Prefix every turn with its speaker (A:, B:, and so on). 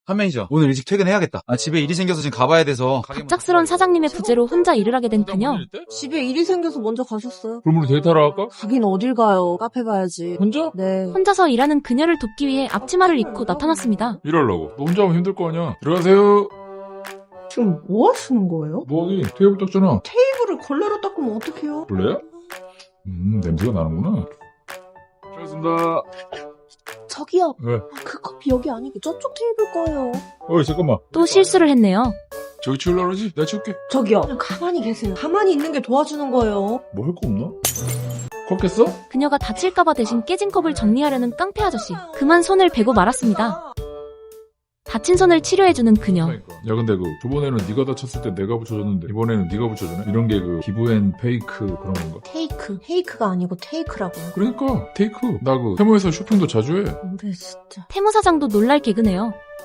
A: 한 매니저, 오늘 일찍 퇴근해야겠다. 집에 일이 생겨서 지금 가봐야 돼서.
B: 갑작스런 사장님의 부재로 혼자 일을 하게 된 그녀.
C: 집에 일이 생겨서 먼저 가셨어요.
D: 그럼 우리 데이트하러 갈까?
C: 가긴 어딜 가요. 카페 가야지.
D: 혼자?
C: 네.
B: 혼자서 일하는 그녀를 돕기 위해 앞치마를 입고 나타났습니다.
D: 일하려고. 너 혼자 하면 힘들 거 아니야. 들어가세요.
C: 지금 뭐 하시는 거예요?
D: 뭐하기? 테이블 닦잖아.
C: 테이블을 걸레로 닦으면 어떡해요?
D: 원래야? 냄새가 나는구나. 잘했습니다.
C: 저기요.
D: 왜?
C: 그 커피 여기 아니고 저쪽 테이블 거예요.
D: 어이, 잠깐만.
B: 또 실수를 했네요.
D: 저기 치우려고 그러지? 내가 치울게.
C: 저기요. 그냥 가만히 계세요. 가만히 있는 게 도와주는 거예요.
D: 뭐 할 거 없나? 컸겠어?
B: 그녀가 다칠까봐 대신 깨진 컵을 정리하려는 깡패 아저씨. 그만 손을 베고 말았습니다. 다친 손을 치료해주는 그녀.
D: 야, 근데 저번에는 네가 다쳤을 때 내가 붙여줬는데 이번에는 네가 붙여주네? 이런 게 기브앤 페이크 그런 건가?
C: 테이크가 아니고 테이크라고요.
D: 그러니까 테이크. 나 테모에서 쇼핑도 자주 해.
C: 근데 진짜.
B: 태무 사장도 놀랄 개그네요.